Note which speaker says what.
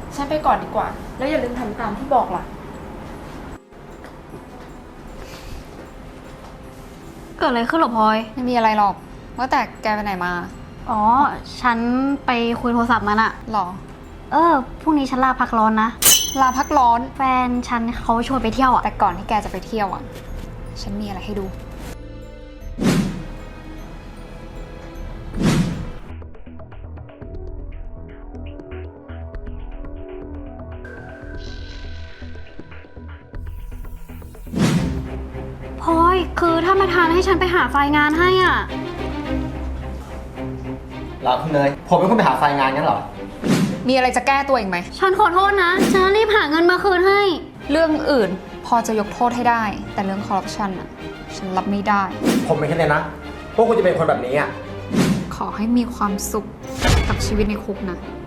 Speaker 1: ฉันไปก่อนดีกว่า แล้วอย่าลืมทำตามที่บอกล่ะ
Speaker 2: เกิดอะไรขึ้นหรอพลอย
Speaker 3: ไม่มีอะไรหรอกว่าแต่แกไปไหนมา
Speaker 2: อ๋อ ฉันไปคุยโทรศัพท์มันอะ
Speaker 3: หรอ
Speaker 2: พรุ่งนี้ฉันลาพักร้อนนะ
Speaker 3: ลาพักร้อน
Speaker 2: แฟนฉันเขาชวนไปเที่ยวอะ
Speaker 3: แต่ก่อนที่แกจะไปเที่ยวอ่ะ ฉันมีอะไรให้ดู
Speaker 2: พลอยคือถ้ามาทานให้ฉันไปหาไฟล์งานให้อ่ะ
Speaker 4: เหรอคุณเนยผมเป็นคนไปหาไฟล์งานงั้นเหรอ
Speaker 3: มีอะไรจะแก้ตัวอีกไหม
Speaker 2: ฉันขอโทษนะ ฉันรีบหาเงินมาคืนให้
Speaker 3: เรื่องอื่นพอจะยกโทษให้ได้ แต่เรื่องคอร์รัปชันอ่ะ ฉันรับไม่ได้
Speaker 4: ผมไม่คิดเลยนะ พวกคุณจะเป็นคนแบบนี้อ่ะ
Speaker 3: ขอให้มีความสุขกับชีวิตในคุกนะ